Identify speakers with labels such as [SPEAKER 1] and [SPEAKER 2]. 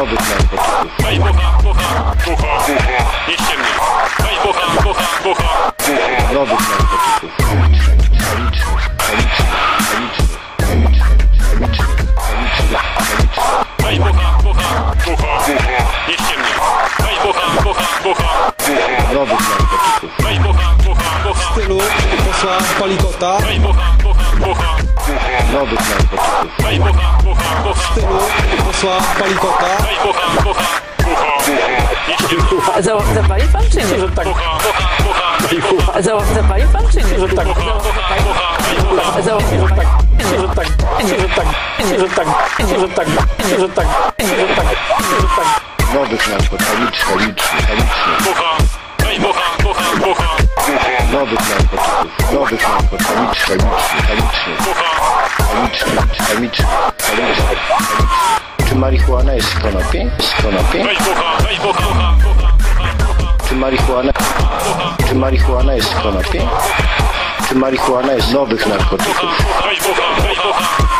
[SPEAKER 1] nowych narkotyków.
[SPEAKER 2] Weź bucha, bucha, bucha, bucha, nie ściemnij. Weź bucha, bucha, bucha, bucha.
[SPEAKER 1] Nowych narkotyków.
[SPEAKER 2] Weź bucha, bucha, bucha, bucha, nie ściemnij. Weź bucha, bucha, bucha, bucha.
[SPEAKER 1] Nowych narkotyków.
[SPEAKER 2] Weź bucha, bucha, bucha.
[SPEAKER 3] W stylu posła Palikota.
[SPEAKER 2] Weź bucha, bucha, bucha, bucha.
[SPEAKER 1] Nowych narkotyków.
[SPEAKER 2] Weź bucha, bucha, bucha.
[SPEAKER 3] W stylu posła Palikota.
[SPEAKER 2] Weź bucha, bucha, bucha, bucha, nie ściemnij.
[SPEAKER 4] Zapali pan czy nie?
[SPEAKER 2] Bucha, bucha, bucha, weź bucha,
[SPEAKER 4] Zapali pan czy nie?
[SPEAKER 2] bucha, bucha, weź bucha.
[SPEAKER 1] Nowych narkotyków.
[SPEAKER 2] Bucha, weź bucha, bucha, bucha, bucha.
[SPEAKER 1] Nowych narkotyków. Nowych narkotyków.
[SPEAKER 2] Bucha,
[SPEAKER 1] Czy marihuana jest z konopi? Z konopi?
[SPEAKER 2] weź bucha, weź bucha,
[SPEAKER 1] Czy marihuana jest z konopi? Czy marihuana jest z nowych narkotyków?
[SPEAKER 2] weź bucha, weź bucha.